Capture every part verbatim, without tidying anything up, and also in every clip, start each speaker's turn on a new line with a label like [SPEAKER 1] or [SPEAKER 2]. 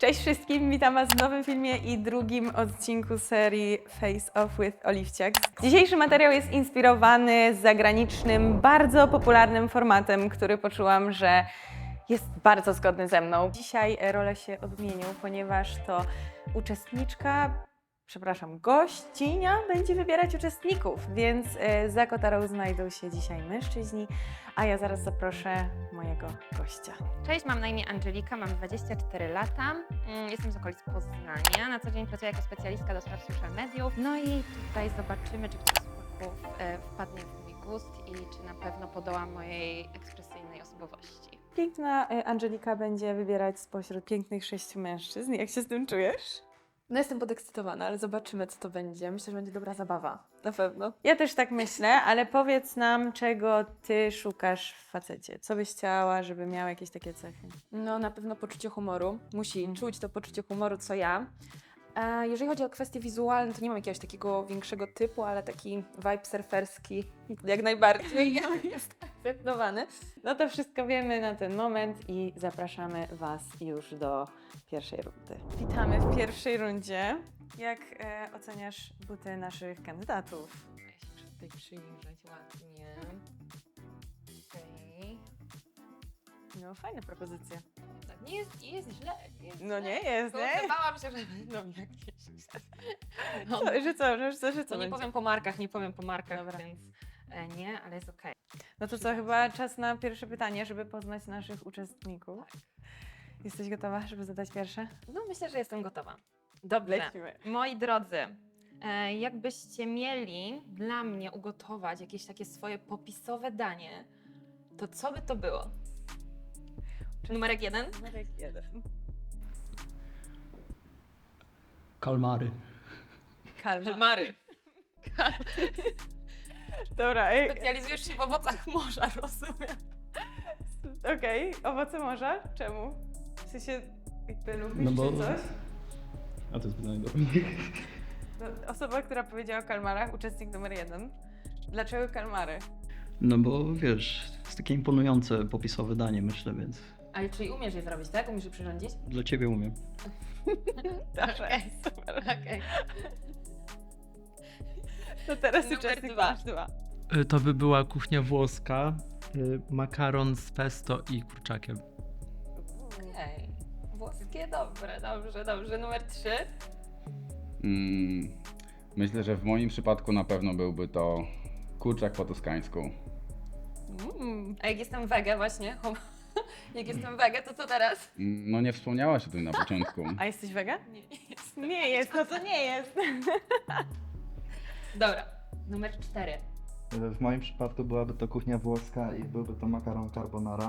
[SPEAKER 1] Cześć wszystkim, witam Was w nowym filmie i drugim odcinku serii Face Off with Oliwciak. Dzisiejszy materiał jest inspirowany zagranicznym, bardzo popularnym formatem, który poczułam, że jest bardzo zgodny ze mną. Dzisiaj role się odmienią, ponieważ to uczestniczka, przepraszam, gościnia będzie wybierać uczestników, więc za kotarą znajdą się dzisiaj mężczyźni, a ja zaraz zaproszę mojego gościa.
[SPEAKER 2] Cześć, mam na imię Angelika, mam dwadzieścia cztery lata, mm, jestem z okolic Poznania, na co dzień pracuję jako specjalistka do spraw social mediów. No i tutaj zobaczymy, czy ktoś z chłopaków e, wpadnie w mój gust i czy na pewno podoła mojej ekspresyjnej osobowości.
[SPEAKER 1] Piękna y, Angelika będzie wybierać spośród pięknych sześciu mężczyzn. Jak się z tym czujesz?
[SPEAKER 3] No jestem podekscytowana, ale zobaczymy, co to będzie. Myślę, że będzie dobra zabawa. Na pewno.
[SPEAKER 1] Ja też tak myślę, ale powiedz nam, czego ty szukasz w facecie. Co byś chciała, żeby miał jakieś takie cechy?
[SPEAKER 3] No na pewno poczucie humoru. Musi
[SPEAKER 1] Mhm.
[SPEAKER 3] czuć to poczucie humoru, co ja. E, jeżeli chodzi o kwestie wizualne, to nie mam jakiegoś takiego większego typu, ale taki vibe surferski jak najbardziej jest akceptowany.
[SPEAKER 1] No to wszystko wiemy na ten moment i zapraszamy Was już do pierwszej rundy. Witamy w pierwszej rundzie. Jak e, oceniasz buty naszych kandydatów?
[SPEAKER 2] Ja się muszę tutaj przyjrzeć ładnie. Okej.
[SPEAKER 1] No, fajne propozycje.
[SPEAKER 2] Tak, nie jest, nie jest źle. Nie jest
[SPEAKER 1] No
[SPEAKER 2] źle.
[SPEAKER 1] nie jest, nie?
[SPEAKER 2] Tylko bałam się, że będą jakieś... No,
[SPEAKER 1] Co, że co, że co, że co
[SPEAKER 2] to nie
[SPEAKER 1] będzie?
[SPEAKER 2] powiem po markach, nie powiem po markach,
[SPEAKER 1] Dobra.
[SPEAKER 2] więc e, nie, ale jest okej.
[SPEAKER 1] No to co, chyba czas na pierwsze pytanie, żeby poznać naszych uczestników. Jesteś gotowa, żeby zadać pierwsze?
[SPEAKER 2] No myślę, że jestem gotowa. Dobrze. Moi drodzy, e, jakbyście mieli dla mnie ugotować jakieś takie swoje popisowe danie, to co by to było? Numerek jeden?
[SPEAKER 1] Numerek jeden.
[SPEAKER 4] Kalmary.
[SPEAKER 1] Kalma.
[SPEAKER 2] Mary.
[SPEAKER 1] Dobra, ej,
[SPEAKER 2] Specjalizujesz się w owocach morza, rozumiem.
[SPEAKER 1] okej, owoce morza? Czemu? W sensie, jakby lubisz
[SPEAKER 4] No bo-
[SPEAKER 1] czy coś?
[SPEAKER 4] A to jest pytanie do
[SPEAKER 1] No, osoba, która powiedziała o kalmarach, uczestnik numer jeden. Dlaczego kalmary?
[SPEAKER 4] No bo wiesz, jest takie imponujące popisowe danie, myślę, więc
[SPEAKER 2] Ale czyli umiesz je zrobić, tak? Umiesz je przyrządzić?
[SPEAKER 4] dla ciebie umiem.
[SPEAKER 1] Proszę.
[SPEAKER 2] Okej, super, okej.
[SPEAKER 1] To teraz
[SPEAKER 2] Numer
[SPEAKER 1] uczestnik
[SPEAKER 2] dwa.
[SPEAKER 1] masz dwa.
[SPEAKER 5] Y, To by była kuchnia włoska, y, makaron z pesto i kurczakiem.
[SPEAKER 2] Okej. Włoskie, dobre, dobrze, dobrze. Numer trzy.
[SPEAKER 6] Mm, myślę, że w moim przypadku na pewno byłby to kurczak po toskańsku.
[SPEAKER 2] Mm. A jak jestem wege właśnie, hom- jak jestem wege, to co teraz?
[SPEAKER 6] Mm, No nie wspomniałaś o tym na początku.
[SPEAKER 1] A jesteś wega?
[SPEAKER 2] Nie, jest.
[SPEAKER 1] Nie jest, no to nie jest.
[SPEAKER 2] Dobra, numer cztery.
[SPEAKER 7] W moim przypadku byłaby to kuchnia włoska i byłby to makaron carbonara.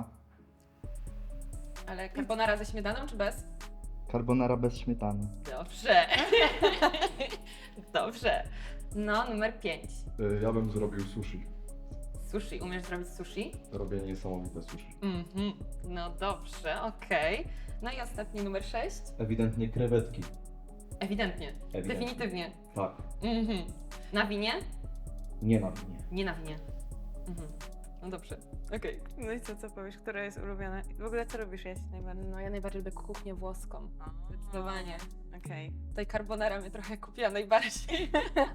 [SPEAKER 2] Ale carbonara ze śmietaną czy bez?
[SPEAKER 7] Carbonara bez śmietany.
[SPEAKER 2] Dobrze. Dobrze. No, numer pięć.
[SPEAKER 8] Y, Ja bym zrobił sushi.
[SPEAKER 2] Sushi. Umiesz zrobić sushi?
[SPEAKER 8] Robię niesamowite sushi.
[SPEAKER 2] Mhm. No dobrze, okej. No i ostatni numer sześć.
[SPEAKER 8] Ewidentnie krewetki.
[SPEAKER 2] Ewidentnie.
[SPEAKER 8] Ewidentnie.
[SPEAKER 2] Definitywnie.
[SPEAKER 8] Tak.
[SPEAKER 2] Mhm. Na winie?
[SPEAKER 8] Nie na mnie.
[SPEAKER 2] Nie na winie. Mhm. No dobrze. Okej.
[SPEAKER 1] No i co, co powiesz, która jest ulubiona? W ogóle co robisz jeść najbardziej?
[SPEAKER 3] No ja najbardziej lubię kuchnię włoską.
[SPEAKER 2] Zdecydowanie.
[SPEAKER 1] Okej.
[SPEAKER 3] Tutaj carbonara mnie trochę kupiła najbardziej.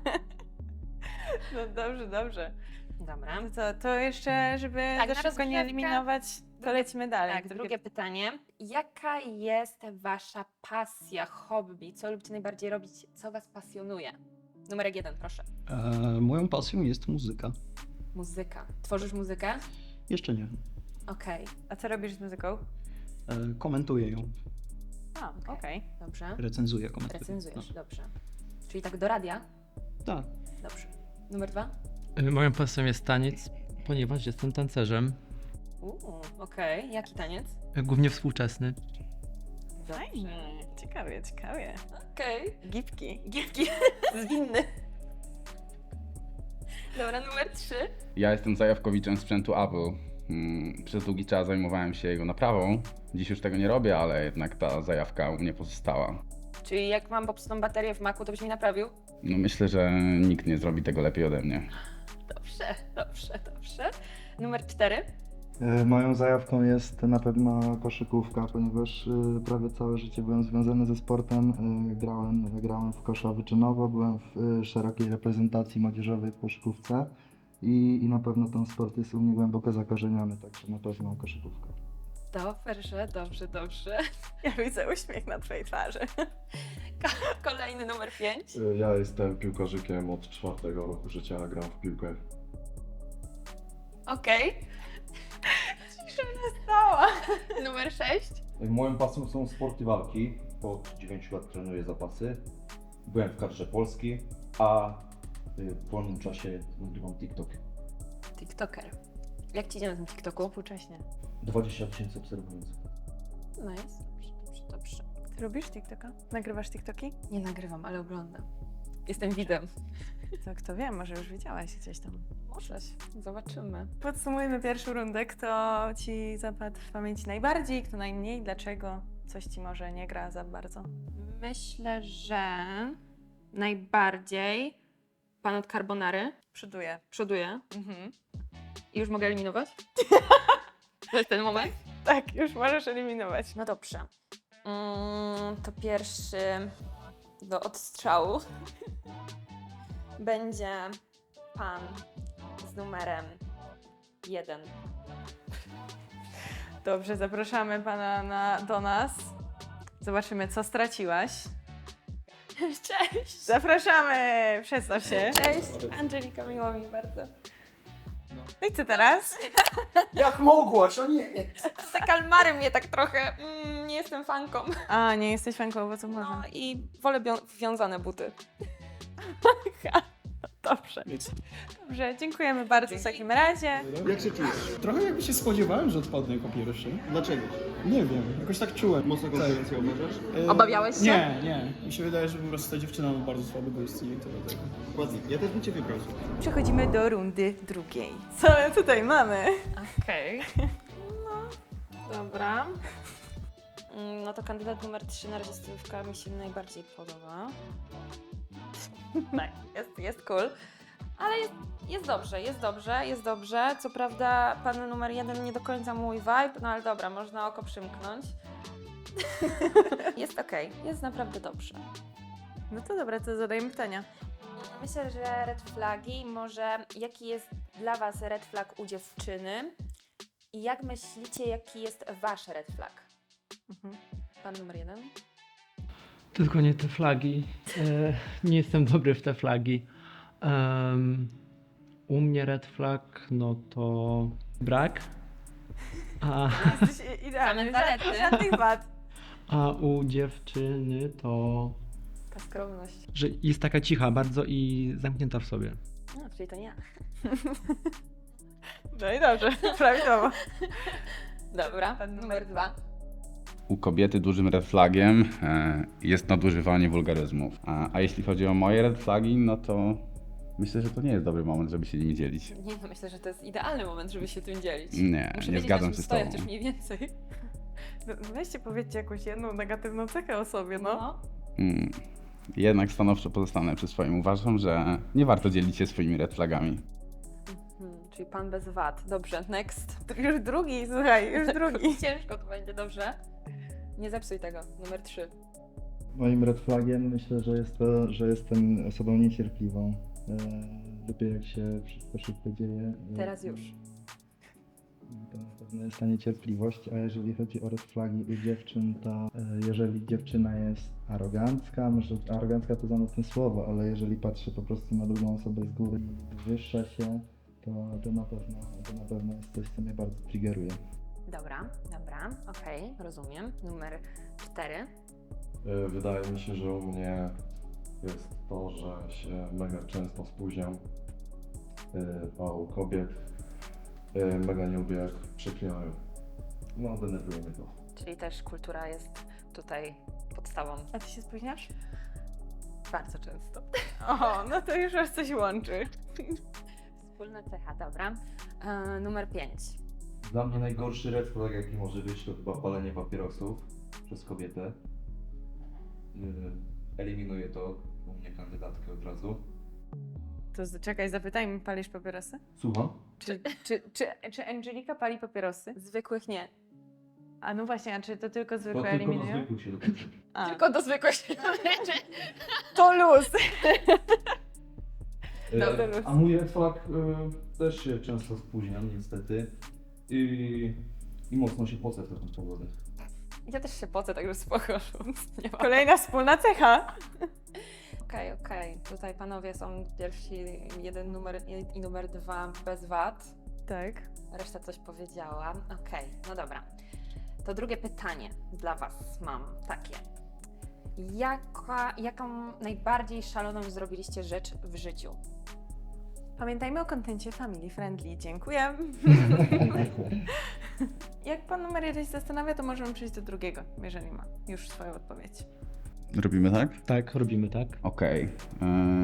[SPEAKER 1] No dobrze, dobrze.
[SPEAKER 2] Dobra.
[SPEAKER 1] No co, to jeszcze, żeby
[SPEAKER 2] Tak,
[SPEAKER 1] za
[SPEAKER 2] na
[SPEAKER 1] szybko nie
[SPEAKER 2] rozgrzewkę.
[SPEAKER 1] eliminować, to lecimy dalej.
[SPEAKER 2] Tak, drugie pytanie. Jaka jest wasza pasja, hobby? Co lubicie najbardziej robić? Co was pasjonuje? Numerek jeden, proszę.
[SPEAKER 4] E, moją pasją jest muzyka.
[SPEAKER 2] Muzyka. Tworzysz muzykę?
[SPEAKER 4] Jeszcze nie.
[SPEAKER 2] Okej,
[SPEAKER 1] A co robisz z muzyką?
[SPEAKER 4] E, komentuję ją,
[SPEAKER 1] A, okej.
[SPEAKER 2] dobrze.
[SPEAKER 4] recenzuję, komentuję.
[SPEAKER 2] Recenzujesz, dobrze. Czyli tak do radia?
[SPEAKER 4] No, tak.
[SPEAKER 2] Dobrze. Numer dwa?
[SPEAKER 5] Y, Moją pasją jest taniec, ponieważ jestem tancerzem,
[SPEAKER 2] Uuu, okej. Jaki taniec?
[SPEAKER 5] y, głównie współczesny.
[SPEAKER 1] Fajnie. Ciekawie, ciekawie.
[SPEAKER 2] Okej.
[SPEAKER 1] Gipki.
[SPEAKER 2] Gierki. Zwinny. Dobra, numer trzy.
[SPEAKER 6] Ja jestem zajawkowiczem sprzętu Apple. Mm, Przez długi czas zajmowałem się jego naprawą. Dziś już tego nie robię, ale jednak ta zajawka u mnie pozostała.
[SPEAKER 2] Czyli jak mam popsutą baterię w Macu, to byś mi naprawił?
[SPEAKER 6] No myślę, że nikt nie zrobi tego lepiej ode mnie.
[SPEAKER 2] Dobrze, dobrze, dobrze. Numer cztery.
[SPEAKER 7] E, Moją zajawką jest na pewno koszykówka, ponieważ e, prawie całe życie byłem związany ze sportem. E, Grałem, grałem w kosza wyczynowo, byłem w e, szerokiej reprezentacji młodzieżowej w koszykówce i, i na pewno ten sport jest u mnie głęboko zakorzeniony, także na pewno koszykówka.
[SPEAKER 3] Dobrze, dobrze, dobrze.
[SPEAKER 1] Ja widzę uśmiech na twojej twarzy.
[SPEAKER 3] Kolejny numer pięć.
[SPEAKER 8] Y, Ja jestem piłkarzykiem od czwartego roku życia, gram w piłkę.
[SPEAKER 3] Okej.
[SPEAKER 1] Cisza nastała.
[SPEAKER 3] Numer sześć.
[SPEAKER 8] Moją pasją są sporty walki. Od dziewięciu lat trenuję zapasy. Byłem w kadrze Polski, a y, w wolnym czasie nagrywam TikTok.
[SPEAKER 3] TikToker. Jak ci idzie na tym TikToku?
[SPEAKER 1] Współcześnie.
[SPEAKER 8] dwadzieścia tysięcy obserwujących.
[SPEAKER 3] Nice. Dobrze, dobrze, dobrze.
[SPEAKER 1] Ty robisz TikToka? Nagrywasz TikToki?
[SPEAKER 3] Nie nagrywam, ale oglądam. Jestem widem.
[SPEAKER 1] To kto wie, może już widziałaś gdzieś tam.
[SPEAKER 3] Możesz. Zobaczymy.
[SPEAKER 1] Podsumujmy pierwszą rundę. Kto ci zapadł w pamięci najbardziej, kto najmniej, dlaczego? Coś ci może nie gra za bardzo.
[SPEAKER 2] Myślę, że najbardziej pan od Carbonary
[SPEAKER 1] Przyduję.
[SPEAKER 2] przoduje.
[SPEAKER 1] Mhm.
[SPEAKER 2] I już mogę eliminować? To jest ten moment?
[SPEAKER 1] Tak, już możesz eliminować.
[SPEAKER 3] No dobrze. Mm, to pierwszy do odstrzału będzie pan z numerem jeden.
[SPEAKER 1] Dobrze, zapraszamy pana na, do nas. Zobaczymy, co straciłaś.
[SPEAKER 3] Cześć!
[SPEAKER 1] Zapraszamy! Przedstaw się.
[SPEAKER 3] Cześć! Angelika, miło mi bardzo.
[SPEAKER 1] No i co teraz?
[SPEAKER 9] Jak mogłaś, o nie!
[SPEAKER 3] Te kalmary mnie tak trochę, mm, nie jestem fanką.
[SPEAKER 1] A, nie jesteś fanką, bo co
[SPEAKER 3] No
[SPEAKER 1] może?
[SPEAKER 3] i wolę bią- wiązane buty.
[SPEAKER 1] Dobrze. Dobrze, dziękujemy bardzo w takim razie.
[SPEAKER 9] Jak się czujesz? Trochę jakby się spodziewałem, że odpadnę jako pierwszy. Dlaczego? Nie wiem, jakoś tak czułem.
[SPEAKER 8] Mocno konkurencję uważasz?
[SPEAKER 9] E,
[SPEAKER 3] Obawiałeś się?
[SPEAKER 9] Nie, nie. Mi się wydaje, że po prostu ta dziewczyna ma bardzo słaby gust i to dlatego.
[SPEAKER 8] Dokładnie, ja też bym cię wybrał.
[SPEAKER 1] Przechodzimy do rundy drugiej. Co my tutaj mamy?
[SPEAKER 3] Okej. No, dobra. Mm, No to kandydat numer trzy na razie stylówka mi się najbardziej podoba. Tak, jest, jest cool. Ale jest, jest dobrze, jest dobrze, jest dobrze. Co prawda pan numer jeden nie do końca mój vibe, no ale dobra, można oko przymknąć. Jest okej, jest naprawdę dobrze.
[SPEAKER 1] No to dobra, to zadajmy pytania.
[SPEAKER 3] Myślę, że red flagi, może jaki jest dla Was red flag u dziewczyny i jak myślicie, jaki jest Wasz red flag?
[SPEAKER 1] Mhm.
[SPEAKER 3] Pan numer jeden?
[SPEAKER 5] Tylko nie te flagi. E, nie jestem dobry w te flagi. Em, u mnie red flag, no to brak. A,
[SPEAKER 1] Jesteś idealny,
[SPEAKER 3] Same zalety.
[SPEAKER 1] żadnych wad.
[SPEAKER 5] a u dziewczyny to,
[SPEAKER 3] Ta skromność.
[SPEAKER 5] że jest taka cicha bardzo i zamknięta w sobie.
[SPEAKER 3] No, czyli to nie ja.
[SPEAKER 1] No i dobrze, prawidłowo.
[SPEAKER 3] Dobra,
[SPEAKER 1] Pan
[SPEAKER 3] numer dwa.
[SPEAKER 6] U kobiety dużym red flagiem e, jest nadużywanie wulgaryzmów. A, a jeśli chodzi o moje red flagi, no to myślę, że to nie jest dobry moment, żeby się nimi dzielić.
[SPEAKER 3] Nie, no myślę, że to jest idealny moment, żeby się tym dzielić.
[SPEAKER 6] Nie,
[SPEAKER 3] Muszę
[SPEAKER 6] nie
[SPEAKER 3] wiedzieć,
[SPEAKER 6] zgadzam
[SPEAKER 3] na czym
[SPEAKER 6] się z
[SPEAKER 3] stoję,
[SPEAKER 6] tobą.
[SPEAKER 3] chociaż mniej więcej.
[SPEAKER 1] No, weźcie, powiedzcie jakąś jedną negatywną cechę o sobie, no.
[SPEAKER 6] Mm. Jednak stanowczo pozostanę przy swoim. Uważam, że nie warto dzielić się swoimi red flagami.
[SPEAKER 3] Hmm, czyli pan bez wad. Dobrze, next.
[SPEAKER 1] Już drugi, słuchaj, już drugi.
[SPEAKER 3] Ciężko to będzie, dobrze? Nie zepsuj tego. Numer trzy.
[SPEAKER 7] Moim red flagiem myślę, że jest to, że jestem osobą niecierpliwą. E, Lubię jak się wszystko szybko dzieje. E,
[SPEAKER 3] Teraz już.
[SPEAKER 7] To na pewno jest ta niecierpliwość, a jeżeli chodzi o red flagi u dziewczyn, to e, jeżeli dziewczyna jest arogancka, może arogancka to za mocne słowo, ale jeżeli patrzy po prostu na drugą osobę z góry i wywyższa się, to, to, na pewno, to na pewno jest coś, co mnie bardzo triggeruje.
[SPEAKER 3] Dobra, dobra, okej, rozumiem. Numer cztery.
[SPEAKER 8] Y, Wydaje mi się, że u mnie jest to, że się mega często spóźniam, y, a u kobiet y, mega nie lubię jak przeklinają. No, denerwuje mnie to.
[SPEAKER 3] Czyli też kultura jest tutaj podstawą.
[SPEAKER 1] A ty się spóźniasz?
[SPEAKER 3] Bardzo często.
[SPEAKER 1] O, no to już aż coś łączy.
[SPEAKER 3] Wspólna cecha, dobra. E, numer pięć.
[SPEAKER 8] Dla mnie najgorszy red flag, jaki może być, to chyba palenie papierosów przez kobietę. Yy, eliminuję to u mnie kandydatkę od razu.
[SPEAKER 1] To To z- czekaj, zapytajmy, palisz papierosy?
[SPEAKER 8] Słucham?
[SPEAKER 1] Czy, czy, czy, czy Angelika pali papierosy?
[SPEAKER 3] Zwykłych nie.
[SPEAKER 1] A no właśnie, a czy to tylko zwykłe
[SPEAKER 8] To tylko do
[SPEAKER 1] eliminują?
[SPEAKER 8] zwykłych się dopuszcza.
[SPEAKER 1] A,
[SPEAKER 3] Tylko do zwykłych się
[SPEAKER 1] to luz!
[SPEAKER 8] E, A mój red flag e, też się często spóźniam niestety i, i mocno się pocę w taką pogodę.
[SPEAKER 3] Ja też się pocę, także spoko. Nie ma.
[SPEAKER 1] Kolejna wspólna cecha.
[SPEAKER 3] Okej, okej. Tutaj panowie są pierwsi, jeden numer i numer dwa bez wad.
[SPEAKER 1] Tak.
[SPEAKER 3] Reszta coś powiedziała. Okej, no dobra. To drugie pytanie dla was mam takie. Jaka, jaką najbardziej szaloną zrobiliście rzecz w życiu?
[SPEAKER 1] Pamiętajmy o kontencie family friendly. Dziękuję. Jak pan numer jeden się zastanawia, to możemy przejść do drugiego, jeżeli ma już swoją odpowiedź.
[SPEAKER 6] Robimy tak?
[SPEAKER 5] Tak, robimy tak.
[SPEAKER 6] Okej. e,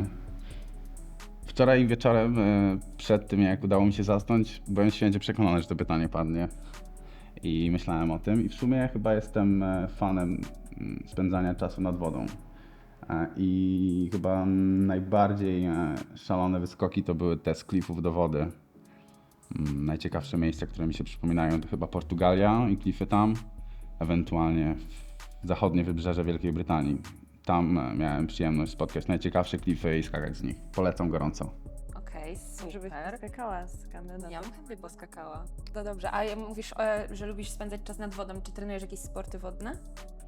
[SPEAKER 6] Wczoraj wieczorem, e, przed tym jak udało mi się zasnąć, byłem święcie przekonany, że to pytanie padnie. I myślałem o tym i w sumie chyba jestem e, fanem mm, spędzania czasu nad wodą. E, I chyba mm, najbardziej e, szalone wyskoki to były te z klifów do wody. Mm, Najciekawsze miejsca, które mi się przypominają, to chyba Portugalia i klify tam, ewentualnie zachodnie wybrzeże Wielkiej Brytanii. Tam e, miałem przyjemność spotkać najciekawsze klify i skakać z nich. Polecam gorąco.
[SPEAKER 3] Okej,
[SPEAKER 1] Żebyś
[SPEAKER 3] super.
[SPEAKER 1] skakała z kandydatą.
[SPEAKER 3] Ja bym chętnie poskakała. No dobrze, a ja- mówisz, e, że lubisz spędzać czas nad wodą. Czy trenujesz jakieś sporty wodne?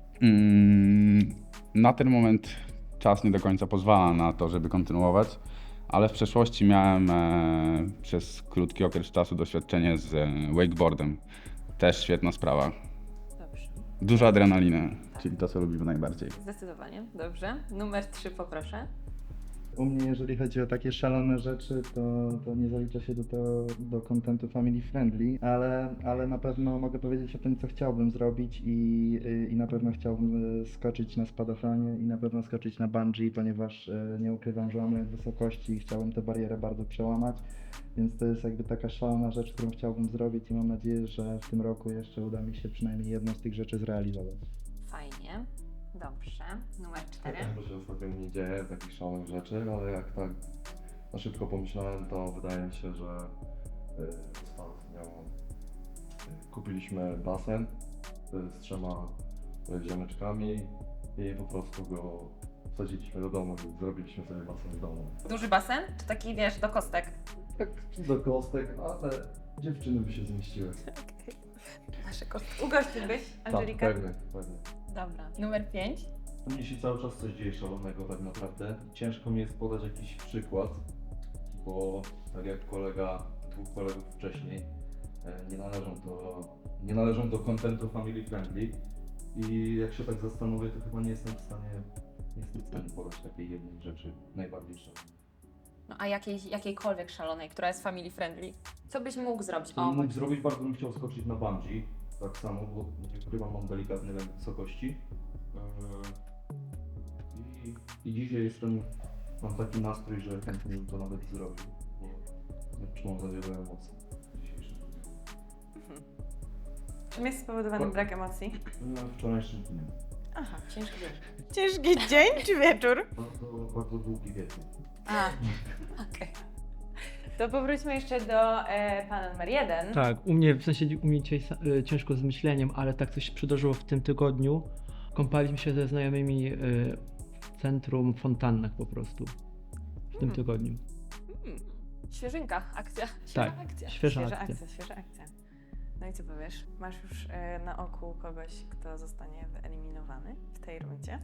[SPEAKER 6] Mm, Na ten moment czas nie do końca pozwala na to, żeby kontynuować, ale w przeszłości miałem e, przez krótki okres czasu doświadczenie z e, wakeboardem. Też świetna sprawa.
[SPEAKER 3] Dobrze.
[SPEAKER 6] Dużo adrenaliny, czyli to, co lubimy najbardziej.
[SPEAKER 3] Zdecydowanie, dobrze. Numer trzy poproszę.
[SPEAKER 7] U mnie, jeżeli chodzi o takie szalone rzeczy, to, to nie zalicza się do, to, do contentu family friendly, ale, ale na pewno mogę powiedzieć o tym, co chciałbym zrobić i, i na pewno chciałbym e, skoczyć na spadochronie i na pewno skoczyć na bungee, ponieważ e, nie ukrywam, że mam lęk wysokości i chciałbym tę barierę bardzo przełamać, więc to jest jakby taka szalona rzecz, którą chciałbym zrobić i mam nadzieję, że w tym roku jeszcze uda mi się przynajmniej jedną z tych rzeczy zrealizować.
[SPEAKER 3] Fajnie. Dobrze. Numer cztery.
[SPEAKER 8] To się ostatnio nie dzieje, takich szalonych rzeczy, ale jak tak na szybko pomyślałem, to wydaje mi się, że y, ostatnio y, kupiliśmy basen y, z trzema y, ziomeczkami i po prostu go wsadziliśmy do domu i zrobiliśmy sobie basen w domu.
[SPEAKER 3] Duży basen? To taki, wiesz, do kostek.
[SPEAKER 8] Tak do kostek, ale dziewczyny by się zmieściły.
[SPEAKER 3] Nasze kostki.
[SPEAKER 1] Ugościłbyś, Angelika?
[SPEAKER 8] Tak, pewnie, pewnie.
[SPEAKER 3] Dobra. Numer pięć.
[SPEAKER 10] U mnie się cały czas coś dzieje szalonego tak naprawdę. Ciężko mi jest podać jakiś przykład, bo tak jak kolega, dwóch kolegów wcześniej, e, nie należą do, nie należą do contentu family friendly i jak się tak zastanowię, to chyba nie jestem w stanie, nie jestem w stanie podać takiej jednej rzeczy najbardziej szalonej.
[SPEAKER 3] No a jakiej, jakiejkolwiek szalonej, która jest family friendly. Co byś mógł zrobić?
[SPEAKER 10] Co
[SPEAKER 3] O,
[SPEAKER 10] bym mógł zrobić, bardzo bym chciał skoczyć na bungee, tak samo, bo nie ukrywam, mam delikatny lęk wysokości. E, I, I dzisiaj jestem, mam taki nastrój, że chętnie bym to nawet zrobił, bo czułam za wiele emocji w dzisiejszym dniu.
[SPEAKER 1] Czym jest spowodowany brak emocji?
[SPEAKER 10] Na wczorajszym dniu.
[SPEAKER 1] Aha.
[SPEAKER 3] ciężki wiesz.
[SPEAKER 1] Ciężki dzień czy wieczór?
[SPEAKER 10] Bardzo, bardzo długi wieczór.
[SPEAKER 3] A, okej.
[SPEAKER 1] To powróćmy jeszcze do e, pana numer jeden.
[SPEAKER 5] Tak, u mnie, w sensie u mnie dzisiaj sa- y, ciężko z myśleniem, ale tak coś się przydarzyło w tym tygodniu. Kąpaliśmy się ze znajomymi y, w centrum w fontannach po prostu. W tym
[SPEAKER 3] Hmm.
[SPEAKER 5] tygodniu.
[SPEAKER 3] Świeżynka, akcja. Świeża
[SPEAKER 5] Tak,
[SPEAKER 3] akcja.
[SPEAKER 5] świeża
[SPEAKER 1] Świeża
[SPEAKER 5] akcja.
[SPEAKER 1] akcja, świeża akcja. No i co powiesz? Masz już e, na oku kogoś, kto zostanie wyeliminowany w tej rundzie?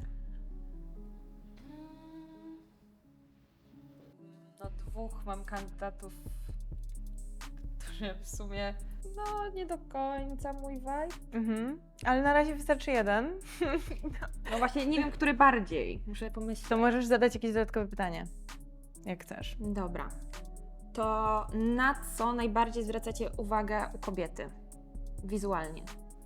[SPEAKER 3] No dwóch mam kandydatów, którzy w sumie, no nie do końca mój vibe.
[SPEAKER 1] Mhm. Ale na razie wystarczy jeden.
[SPEAKER 3] No właśnie nie wiem, który bardziej. Muszę pomyśleć.
[SPEAKER 1] To możesz zadać jakieś dodatkowe pytanie, jak chcesz.
[SPEAKER 3] Dobra. To na co najbardziej zwracacie uwagę u kobiety? Wizualnie.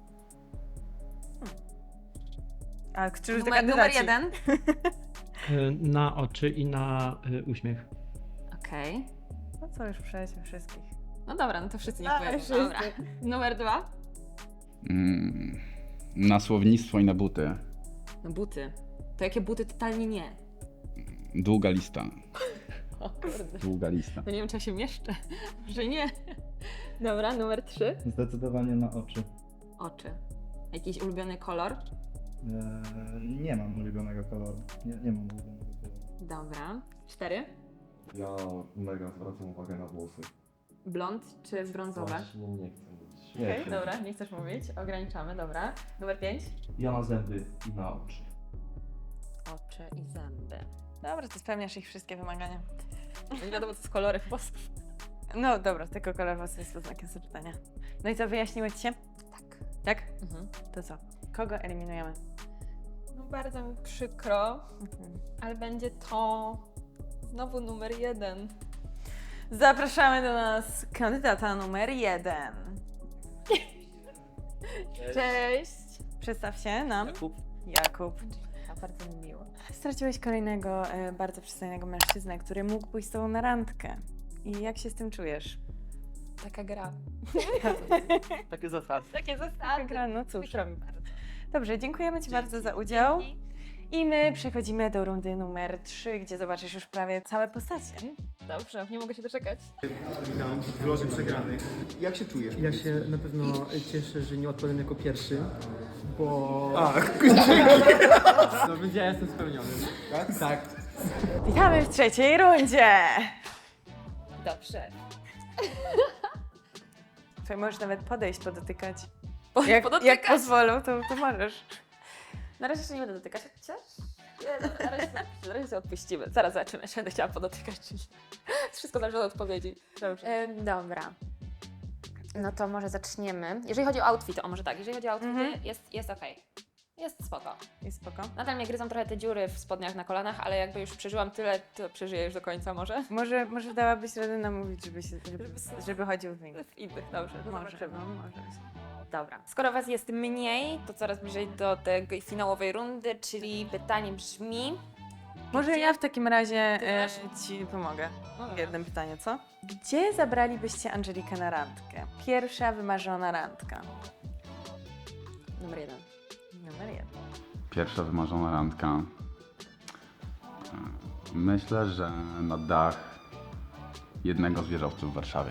[SPEAKER 1] A którzy to
[SPEAKER 3] Numer, numer
[SPEAKER 1] kandydaci?
[SPEAKER 3] jeden.
[SPEAKER 5] Y, Na oczy i na y, uśmiech.
[SPEAKER 3] Okej.
[SPEAKER 1] No co, już przejdźmy wszystkich.
[SPEAKER 3] No dobra, no to wszyscy nie
[SPEAKER 1] A,
[SPEAKER 3] powiedzą.
[SPEAKER 1] wszyscy.
[SPEAKER 3] Dobra. Numer dwa.
[SPEAKER 6] Mm, Na słownictwo i na buty.
[SPEAKER 3] No buty. To jakie buty? Totalnie nie.
[SPEAKER 6] Długa lista.
[SPEAKER 3] O kurde.
[SPEAKER 6] Długa lista.
[SPEAKER 3] No nie wiem, czy ja się mieszczę. Że nie. Dobra, numer trzy.
[SPEAKER 7] Zdecydowanie na oczy.
[SPEAKER 3] Oczy. Jakiś ulubiony kolor?
[SPEAKER 7] Eee, nie mam ulubionego koloru. Nie, nie mam ulubionego koloru.
[SPEAKER 3] Dobra. Cztery.
[SPEAKER 8] Ja mega zwracam uwagę na włosy.
[SPEAKER 3] Blond czy brązowe?
[SPEAKER 8] Właśnie nie chcę mówić. Nie
[SPEAKER 3] Okej,
[SPEAKER 8] chcę
[SPEAKER 3] dobra,
[SPEAKER 8] mówić.
[SPEAKER 3] nie chcesz mówić. Ograniczamy, dobra. Numer pięć.
[SPEAKER 10] Ja na zęby i na oczy.
[SPEAKER 3] Oczy i zęby.
[SPEAKER 1] Dobra, to spełniasz ich wszystkie wymagania.
[SPEAKER 3] Nie wiadomo, co z kolorem włosów.
[SPEAKER 1] No dobra, tylko kolor włosów jest znakiem zapytania. No i co, wyjaśniły ci się?
[SPEAKER 3] Tak.
[SPEAKER 1] Tak?
[SPEAKER 3] Mhm.
[SPEAKER 1] To co? Kogo eliminujemy?
[SPEAKER 3] No bardzo mi przykro,
[SPEAKER 1] Mhm.
[SPEAKER 3] ale będzie to znowu numer jeden.
[SPEAKER 1] Zapraszamy do nas kandydata numer jeden.
[SPEAKER 3] Cześć!
[SPEAKER 1] Przedstaw się nam.
[SPEAKER 10] Jakub.
[SPEAKER 1] Jakub.
[SPEAKER 3] A bardzo mi miło.
[SPEAKER 1] Straciłeś kolejnego e, bardzo przystojnego mężczyznę, który mógł pójść z tobą na randkę. I jak się z tym czujesz?
[SPEAKER 3] Taka gra.
[SPEAKER 10] Takie zasady.
[SPEAKER 3] Takie
[SPEAKER 1] Taka
[SPEAKER 3] zasady.
[SPEAKER 1] gra, no cóż.
[SPEAKER 3] Przykro mi bardzo.
[SPEAKER 1] Dobrze, dziękujemy ci bardzo za udział. I my przechodzimy do rundy numer trzy, gdzie zobaczysz już prawie całe postacie.
[SPEAKER 3] Dobrze, nie mogę się doczekać.
[SPEAKER 9] Witam w loży przegranych. Jak się czujesz?
[SPEAKER 11] Ja się na pewno cieszę, że nie odpadłem jako pierwszy, bo...
[SPEAKER 9] A,
[SPEAKER 11] No więc ja jestem spełniony.
[SPEAKER 9] tak? Tak.
[SPEAKER 1] Witamy w trzeciej rundzie!
[SPEAKER 3] Dobrze.
[SPEAKER 1] Tutaj możesz nawet podejść, podotykać.
[SPEAKER 3] Po,
[SPEAKER 1] Jak,
[SPEAKER 3] podotykać.
[SPEAKER 1] jak pozwolą, to, to możesz.
[SPEAKER 3] Na razie jeszcze nie będę dotykać, chociaż... Nie, no, na, razie, na razie sobie odpuścimy. Zaraz zobaczymy, czy będę chciała podotykać, czy nie. Wszystko zależy od odpowiedzi. Dobrze. dobra. No to może zaczniemy. Jeżeli chodzi o outfity, o może tak, jeżeli chodzi o outfity,
[SPEAKER 1] Mhm.
[SPEAKER 3] jest, jest okej. Jest spoko.
[SPEAKER 1] Jest spoko.
[SPEAKER 3] Nadal mnie gryzą trochę te dziury w spodniach na kolanach, ale jakby już przeżyłam tyle, to przeżyję już do końca może.
[SPEAKER 1] Może, może dałabyś radę namówić, żeby, się, żeby, żeby chodził w nich.
[SPEAKER 3] W innych, dobrze. to
[SPEAKER 1] Może,
[SPEAKER 3] zobaczymy.
[SPEAKER 1] no, może.
[SPEAKER 3] Dobra. Skoro Was jest mniej, to coraz bliżej do tej finałowej rundy, czyli pytanie brzmi...
[SPEAKER 1] Może
[SPEAKER 3] Gdzie-
[SPEAKER 1] ja w takim razie
[SPEAKER 3] Ty
[SPEAKER 1] e,
[SPEAKER 3] masz?
[SPEAKER 1] ci pomogę.
[SPEAKER 3] No
[SPEAKER 1] W
[SPEAKER 3] dobra.
[SPEAKER 1] jednym pytaniu, co? Gdzie zabralibyście Angelikę na randkę? Pierwsza wymarzona randka.
[SPEAKER 3] Numer jeden.
[SPEAKER 1] Numer jeden.
[SPEAKER 6] Pierwsza wymarzona randka. Myślę, że na dach jednego z wieżowców w Warszawie.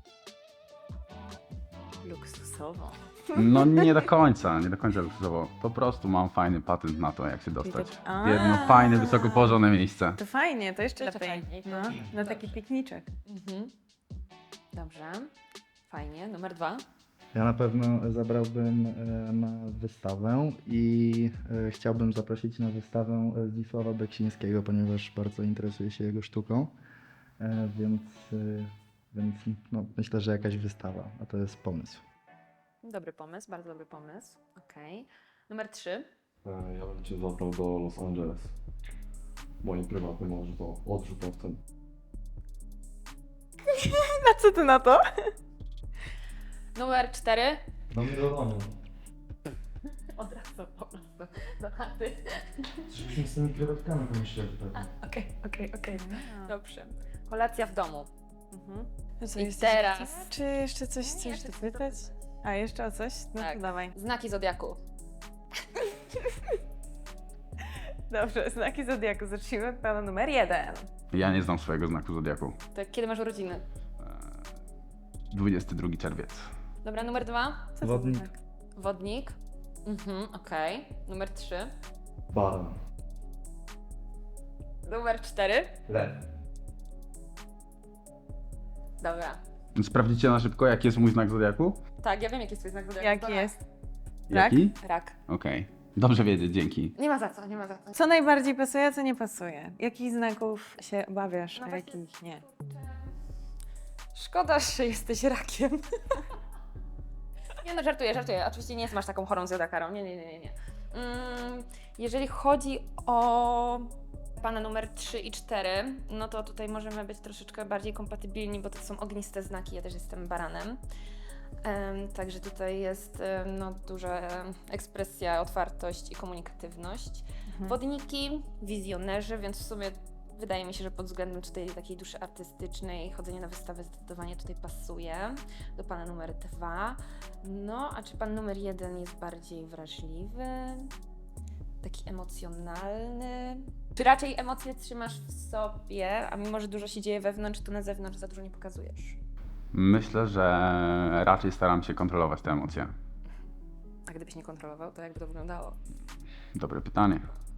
[SPEAKER 1] Luksusowo.
[SPEAKER 6] No nie do końca, nie do końca luksusowo. Po prostu mam fajny patent na to, jak się dostać
[SPEAKER 1] tak-
[SPEAKER 6] w jedno
[SPEAKER 1] A.
[SPEAKER 6] fajne, wysoko położone miejsce.
[SPEAKER 1] To fajnie, to jeszcze
[SPEAKER 3] Jeszcze
[SPEAKER 1] lepiej.
[SPEAKER 3] fajniej,
[SPEAKER 1] No,
[SPEAKER 3] to-
[SPEAKER 1] na
[SPEAKER 3] dobrze.
[SPEAKER 1] taki pikniczek.
[SPEAKER 3] Mhm. Dobrze. Fajnie. Numer dwa.
[SPEAKER 7] Ja na pewno zabrałbym e, na wystawę i e, chciałbym zaprosić na wystawę e, Zdzisława Beksińskiego, ponieważ bardzo interesuję się jego sztuką, e, więc, e, więc no, myślę, że jakaś wystawa, a to jest pomysł.
[SPEAKER 3] Dobry pomysł, bardzo dobry pomysł. Okej. Numer trzy.
[SPEAKER 8] E, Ja bym Cię zabrał do Los Angeles. Moim prywatnym odrzut- odrzutowcem.
[SPEAKER 1] A co ty na to?
[SPEAKER 3] Numer cztery.
[SPEAKER 10] Do mnie do domu.
[SPEAKER 3] Od razu po prostu do chaty.
[SPEAKER 10] Żebyśmy z tymi krewetkami pomyśleli pewnie.
[SPEAKER 3] Okej, okej, okej. Dobrze. Kolacja w domu.
[SPEAKER 1] Mhm. No co,
[SPEAKER 3] I
[SPEAKER 1] jesteś
[SPEAKER 3] teraz-
[SPEAKER 1] gotowa? Czy jeszcze coś chcesz
[SPEAKER 3] jeszcze chcę
[SPEAKER 1] dopytać? A, jeszcze o coś? No
[SPEAKER 3] Tak.
[SPEAKER 1] to dawaj.
[SPEAKER 3] Znaki zodiaku.
[SPEAKER 1] Dobrze, znaki Zodiaku. Zacznijmy od pana numer jeden.
[SPEAKER 6] Ja nie znam swojego znaku zodiaku.
[SPEAKER 3] To kiedy masz urodziny?
[SPEAKER 6] dwudziestego drugiego czerwiec.
[SPEAKER 3] Dobra, numer dwa.
[SPEAKER 1] Co to
[SPEAKER 7] Wodnik.
[SPEAKER 1] za znak?
[SPEAKER 3] Wodnik. Mhm, okej. Numer trzy.
[SPEAKER 10] Baran.
[SPEAKER 3] Numer cztery.
[SPEAKER 10] Lew.
[SPEAKER 3] Dobra.
[SPEAKER 6] Sprawdzicie na szybko, jaki jest mój znak zodiaku?
[SPEAKER 3] Tak, ja wiem jaki jest twój znak zodiaku.
[SPEAKER 1] Jaki
[SPEAKER 3] Dobra.
[SPEAKER 1] jest? Rak?
[SPEAKER 6] Jaki?
[SPEAKER 3] Rak.
[SPEAKER 6] Okej. Dobrze wiedzieć, dzięki.
[SPEAKER 3] Nie ma za co, nie ma za co.
[SPEAKER 1] Co najbardziej pasuje, a co nie pasuje? Jakich znaków się obawiasz,
[SPEAKER 3] No
[SPEAKER 1] a
[SPEAKER 3] właśnie-
[SPEAKER 1] jakich nie?
[SPEAKER 3] Szkoda, że jesteś rakiem. Nie no, żartuję, żartuję. Oczywiście nie masz taką chorą zodiakarą. Nie, nie, nie, nie. nie. Mm, jeżeli chodzi o pana numer trzy i cztery, no to tutaj możemy być troszeczkę bardziej kompatybilni, bo to są ogniste znaki, ja też jestem baranem. Em, także tutaj jest em, no, duża em, ekspresja, otwartość i komunikatywność.
[SPEAKER 1] Mhm.
[SPEAKER 3] Wodniki, wizjonerzy, więc w sumie wydaje mi się, że pod względem tutaj takiej duszy artystycznej chodzenie na wystawę zdecydowanie tutaj pasuje do pana numer dwa. No, a czy pan numer jeden jest bardziej wrażliwy? taki emocjonalny? Czy raczej emocje trzymasz w sobie, a mimo, że dużo się dzieje wewnątrz, to na zewnątrz za dużo nie pokazujesz?
[SPEAKER 6] Myślę, że raczej staram się kontrolować te emocje.
[SPEAKER 3] A gdybyś nie kontrolował, to jakby to wyglądało?
[SPEAKER 6] Dobre pytanie.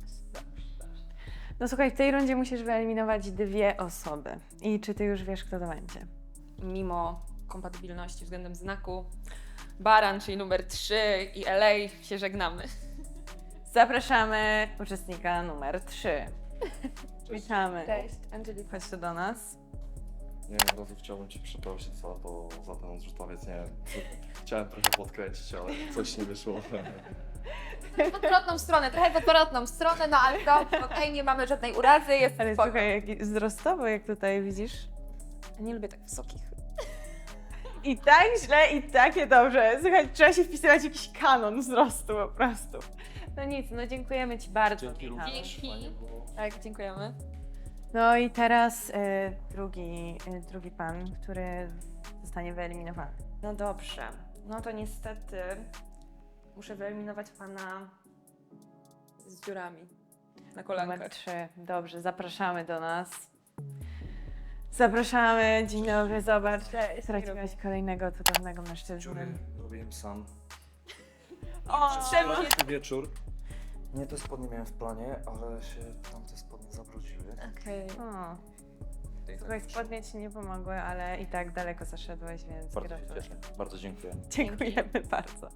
[SPEAKER 1] No słuchaj, w tej rundzie musisz wyeliminować dwie osoby. I czy ty już wiesz, kto to będzie?
[SPEAKER 3] Mimo kompatybilności względem znaku, Baran, czyli numer trzy i L A się żegnamy.
[SPEAKER 1] Zapraszamy uczestnika numer trzy. Witamy.
[SPEAKER 3] Cześć, Angelika.
[SPEAKER 1] Chodź tu do nas.
[SPEAKER 8] Nie wiem, od razu chciałbym Cię przeprosić za to, za ten odrzutowiec, nie wiem. Chciałem trochę podkręcić, ale coś nie wyszło.
[SPEAKER 3] W odwrotną stronę, trochę w odwrotną stronę, no ale to okej, nie mamy żadnej urazy, jest
[SPEAKER 1] Ale
[SPEAKER 3] spoko.
[SPEAKER 1] słuchaj, jak wzrostowo, jak tutaj widzisz.
[SPEAKER 3] Nie lubię tak wysokich.
[SPEAKER 1] I tak źle, i takie dobrze. Słuchaj, trzeba się wpisywać w jakiś kanon wzrostu po prostu. No nic, no dziękujemy Ci bardzo. Michał.
[SPEAKER 3] Dzięki. Tak, dziękujemy.
[SPEAKER 1] No i teraz y, drugi, y, drugi pan, który zostanie wyeliminowany.
[SPEAKER 3] No dobrze, no to niestety muszę wyeliminować pana z dziurami na
[SPEAKER 1] Numer
[SPEAKER 3] kolankach.
[SPEAKER 1] trzy. Dobrze, zapraszamy do nas. Zapraszamy, dzień dobry, zobacz. Straciłaś kolejnego cudownego mężczyznę.
[SPEAKER 10] robiłem sam.
[SPEAKER 3] O, czemu?
[SPEAKER 10] Wczorajszy wieczór. Nie te spodnie miałem w planie, ale się tamte spodnie zabrudziły.
[SPEAKER 3] Okej.
[SPEAKER 1] O, słuchaj, spodnie Ci nie pomogły, ale i tak daleko zaszedłeś, więc
[SPEAKER 10] Bardzo się
[SPEAKER 1] gratuluję.
[SPEAKER 10] cieszę. Bardzo dziękuję.
[SPEAKER 1] Dziękujemy bardzo.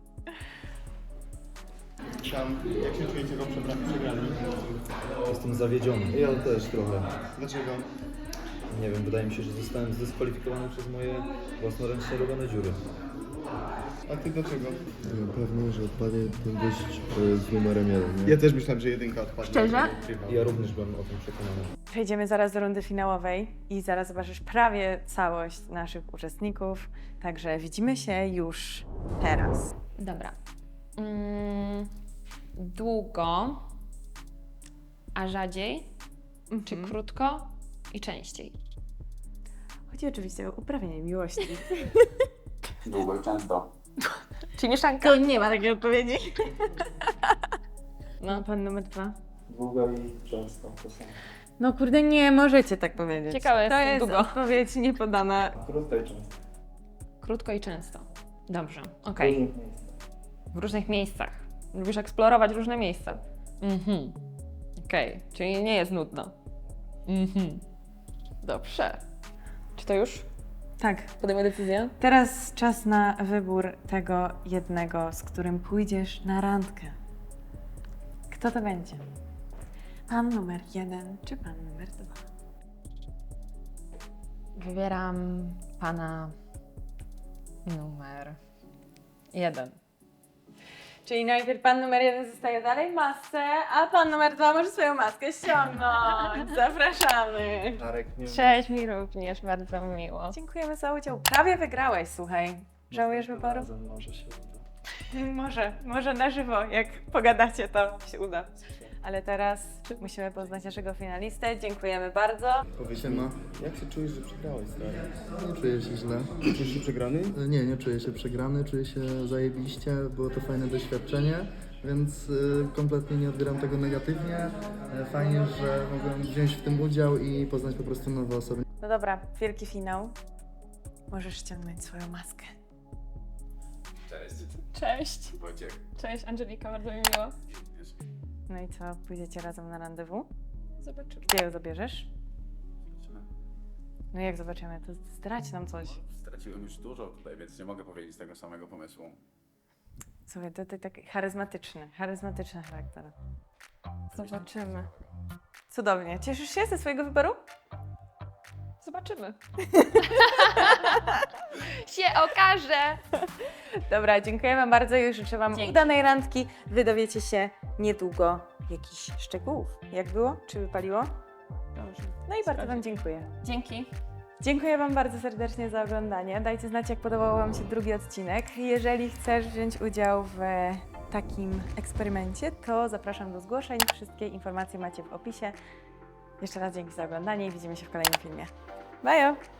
[SPEAKER 9] Tam, jak się czujecie go przegrani?
[SPEAKER 10] Jestem zawiedziony.
[SPEAKER 12] Ja też trochę.
[SPEAKER 9] Dlaczego?
[SPEAKER 12] Nie wiem, wydaje mi się, że zostałem zdyskwalifikowany przez moje własnoręcznie robione dziury.
[SPEAKER 9] A ty dlaczego?
[SPEAKER 12] Pewnie, że odpadnie ten gość z numerem jeden.
[SPEAKER 9] Ja też myślałem, że jedynka odpadnie.
[SPEAKER 3] Szczerze?
[SPEAKER 12] Ja również byłem o tym przekonany.
[SPEAKER 1] Przejdziemy zaraz do rundy finałowej i zaraz zobaczysz prawie całość naszych uczestników. Także widzimy się już teraz.
[SPEAKER 3] Dobra. Mm, długo, a rzadziej, czy
[SPEAKER 1] Mhm.
[SPEAKER 3] krótko i częściej?
[SPEAKER 1] Chodzi oczywiście o uprawianie miłości.
[SPEAKER 6] Długo i często.
[SPEAKER 3] Czy mieszanka?
[SPEAKER 1] To nie ma takiej odpowiedzi. No, pan numer dwa.
[SPEAKER 12] Długo i często to samo.
[SPEAKER 1] No kurde, nie możecie tak powiedzieć.
[SPEAKER 3] Ciekawe,
[SPEAKER 1] to
[SPEAKER 3] jest
[SPEAKER 1] jest
[SPEAKER 3] długo.
[SPEAKER 1] odpowiedź niepodana.
[SPEAKER 12] Krótko i często.
[SPEAKER 3] Krótko i często. Dobrze, okej. W różnych miejscach. Lubisz eksplorować różne miejsca. Mhm. Okej, czyli nie jest nudno. Mhm. Dobrze. Czy to już?
[SPEAKER 1] Tak.
[SPEAKER 3] Podejmę decyzję?
[SPEAKER 1] Teraz czas na wybór tego jednego, z którym pójdziesz na randkę. Kto to będzie? Pan numer jeden czy pan numer dwa?
[SPEAKER 2] Wybieram pana numer jeden.
[SPEAKER 1] Czyli najpierw pan numer jeden zostaje dalej w masce, a pan numer dwa może swoją maskę ściągnąć. Zapraszamy.
[SPEAKER 12] Darek, nie
[SPEAKER 2] Cześć, mi również, bardzo miło.
[SPEAKER 1] Dziękujemy za udział. Prawie wygrałeś, słuchaj. Żałujesz wyboru?
[SPEAKER 12] Może się uda.
[SPEAKER 1] Może, może na żywo, jak pogadacie, to się uda. Ale teraz musimy poznać naszego finalistę. Dziękujemy bardzo.
[SPEAKER 7] Powiedz
[SPEAKER 12] Siema.
[SPEAKER 7] mi, jak się czujesz, że przegrałeś, stary?
[SPEAKER 12] Nie czuję się źle.
[SPEAKER 7] Czujesz się przegrany?
[SPEAKER 12] Nie, nie czuję się przegrany, czuję się zajebiście, było to fajne doświadczenie, więc y, kompletnie nie odbieram tego negatywnie. E, Fajnie, że mogłem wziąć w tym udział i poznać po prostu nowe osoby.
[SPEAKER 1] No dobra, wielki finał. Możesz ściągnąć swoją maskę.
[SPEAKER 6] Cześć.
[SPEAKER 2] Cześć.
[SPEAKER 6] Wojciech.
[SPEAKER 2] Cześć, Angelika, bardzo mi miło.
[SPEAKER 1] No i co, pójdziecie razem na randewu?
[SPEAKER 2] Zobaczymy.
[SPEAKER 1] Gdzie ją zabierzesz? No jak zobaczymy, to zdradź nam coś.
[SPEAKER 6] Straciłem już dużo tutaj, więc nie mogę powiedzieć tego samego pomysłu.
[SPEAKER 1] Słuchaj, to, to taki charyzmatyczny, charyzmatyczny charakter.
[SPEAKER 2] Zobaczymy.
[SPEAKER 1] Cudownie. Cieszysz się ze swojego wyboru?
[SPEAKER 2] Zobaczymy. się okaże.
[SPEAKER 1] Dobra, dziękuję wam bardzo i życzę wam
[SPEAKER 3] Dzięki.
[SPEAKER 1] udanej randki. Wy dowiecie się niedługo jakichś szczegółów. Jak było? Czy wypaliło?
[SPEAKER 2] Dobrze.
[SPEAKER 1] No i bardzo wam dziękuję.
[SPEAKER 3] Dzięki.
[SPEAKER 1] Dziękuję wam bardzo serdecznie za oglądanie. Dajcie znać, jak podobał wam się drugi odcinek. Jeżeli chcesz wziąć udział w takim eksperymencie, to zapraszam do zgłoszeń. Wszystkie informacje macie w opisie. Jeszcze raz dzięki za oglądanie i widzimy się w kolejnym filmie. Bye!